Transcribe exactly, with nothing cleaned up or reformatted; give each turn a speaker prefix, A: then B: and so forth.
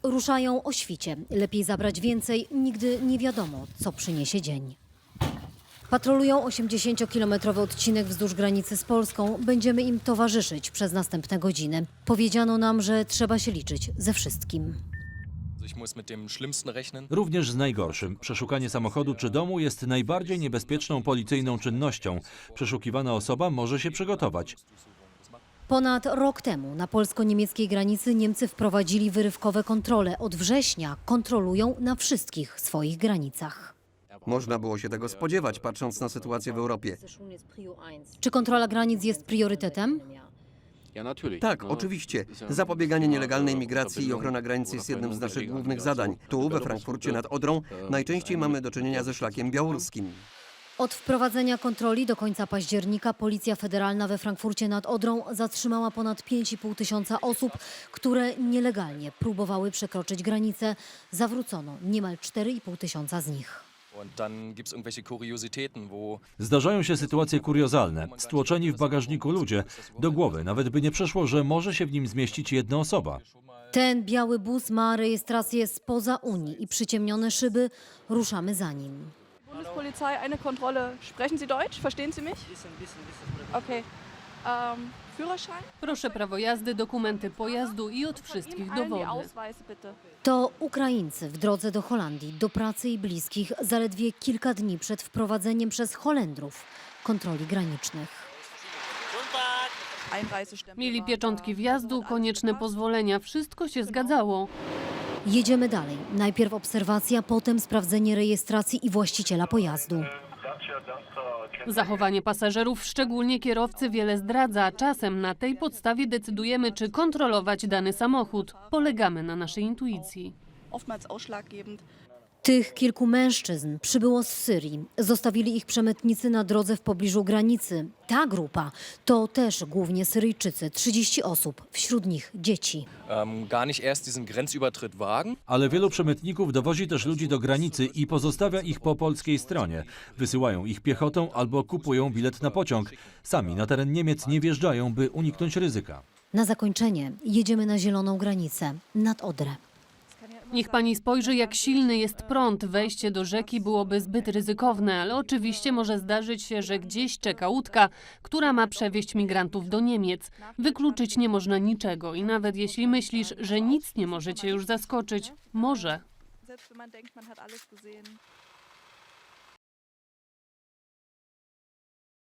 A: Ruszają o świcie. Lepiej zabrać więcej, nigdy nie wiadomo, co przyniesie dzień. Patrolują osiemdziesięciokilometrowy odcinek wzdłuż granicy z Polską. Będziemy im towarzyszyć przez następne godziny. Powiedziano nam, że trzeba się liczyć ze wszystkim.
B: Również z najgorszym. Przeszukanie samochodu czy domu jest najbardziej niebezpieczną policyjną czynnością. Przeszukiwana osoba może się przygotować.
A: Ponad rok temu na polsko-niemieckiej granicy Niemcy wprowadzili wyrywkowe kontrole. Od września kontrolują na wszystkich swoich granicach.
C: Można było się tego spodziewać, patrząc na sytuację w Europie.
A: Czy kontrola granic jest priorytetem?
C: Tak, oczywiście. Zapobieganie nielegalnej migracji i ochrona granicy jest jednym z naszych głównych zadań. Tu, we Frankfurcie nad Odrą, najczęściej mamy do czynienia ze szlakiem białoruskim.
A: Od wprowadzenia kontroli do końca października Policja Federalna we Frankfurcie nad Odrą zatrzymała ponad pięć i pół tysiąca osób, które nielegalnie próbowały przekroczyć granicę. Zawrócono niemal cztery i pół tysiąca z nich.
B: Zdarzają się sytuacje kuriozalne. Stłoczeni w bagażniku ludzie. Do głowy nawet by nie przeszło, że może się w nim zmieścić jedna osoba.
A: Ten biały bus ma rejestrację spoza Unii i przyciemnione szyby. Ruszamy za nim.
D: Bundespolizei, eine Kontrolle. Sprechen Sie Deutsch? Verstehen Sie mich? Okay. Um, Führerschein?
E: Proszę prawo jazdy, dokumenty pojazdu i od wszystkich
D: Allen die
E: dowody.
D: Ausweise, bitte.
A: To Ukraińcy w drodze do Holandii, do pracy i bliskich, zaledwie kilka dni przed wprowadzeniem przez Holendrów kontroli granicznych.
D: Einreisestempel
E: Mieli
D: war
E: pieczątki
D: da.
E: wjazdu, konieczne pozwolenia. Wszystko się zgadzało.
A: Jedziemy dalej. Najpierw obserwacja, potem sprawdzenie rejestracji i właściciela pojazdu.
E: Zachowanie pasażerów, szczególnie kierowcy, wiele zdradza. Czasem na tej podstawie decydujemy, czy kontrolować dany samochód. Polegamy na naszej intuicji.
D: Oftmals ausschlaggebend.
A: Tych kilku mężczyzn przybyło z Syrii. Zostawili ich przemytnicy na drodze w pobliżu granicy. Ta grupa to też głównie Syryjczycy, trzydzieści osób, wśród nich dzieci.
F: ähm, gar nicht erst diesen Grenzübertritt wagen.
B: Ale wielu przemytników dowozi też ludzi do granicy i pozostawia ich po polskiej stronie. Wysyłają ich piechotą albo kupują bilet na pociąg. Sami na teren Niemiec nie wjeżdżają, by uniknąć ryzyka.
A: Na zakończenie jedziemy na zieloną granicę, nad Odrę.
E: Niech pani spojrzy, jak silny jest prąd. Wejście do rzeki byłoby zbyt ryzykowne, ale oczywiście może zdarzyć się, że gdzieś czeka łódka, która ma przewieźć migrantów do Niemiec. Wykluczyć nie można niczego i nawet jeśli myślisz, że nic nie może cię już zaskoczyć, może.
D: Selbst wenn man denkt, man hat alles gesehen.